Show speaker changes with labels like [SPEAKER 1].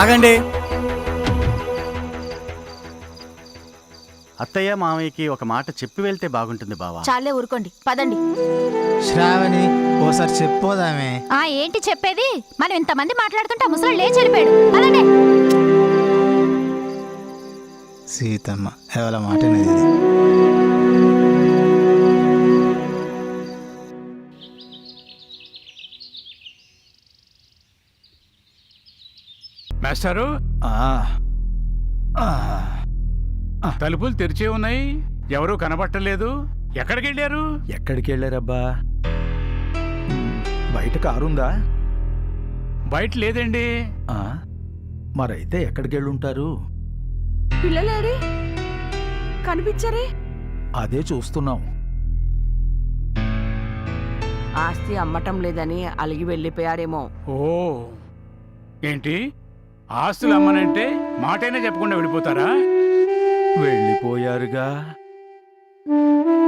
[SPEAKER 1] ఆగండి.
[SPEAKER 2] అత్తయ్య మామయ్యకి ఒక మాట చెప్పి వెళ్తే బాగుంటుంది బావా.
[SPEAKER 3] చాలే ఊరుకోండి, పదండి.
[SPEAKER 1] శ్రావణి ఓసారి చెప్పోదామే.
[SPEAKER 3] ఏంటి చెప్పేది? మనం ఇంతమంది మాట్లాడుతుంటే ముసలి లేచి వెళ్ళిపోయాడు. పదండి.
[SPEAKER 1] సీతమ్మ ఎవరి మాట అనేది.
[SPEAKER 4] మాస్టారు, తలుపులు తెరిచే ఉన్నాయి, ఎవరూ కనబట్టలేదు. ఎక్కడికి వెళ్ళారు?
[SPEAKER 5] ఎక్కడికి వెళ్ళారబ్బా? బయట కారుందా?
[SPEAKER 4] బయట లేదండి.
[SPEAKER 5] మరైతే ఎక్కడికి వెళ్ళుంటారు?
[SPEAKER 6] పిల్లలేడి కనిపించరే?
[SPEAKER 5] అదే చూస్తున్నాం.
[SPEAKER 6] ఆస్తి అమ్మటం లేదని అలిగి వెళ్ళిపోయారేమో.
[SPEAKER 4] ఓ, ఏంటి ఆస్తులు అమ్మనంటే మాటైనా చెప్పకుండా వెళ్ళిపోతారా?
[SPEAKER 5] వెళ్ళిపోయారుగా.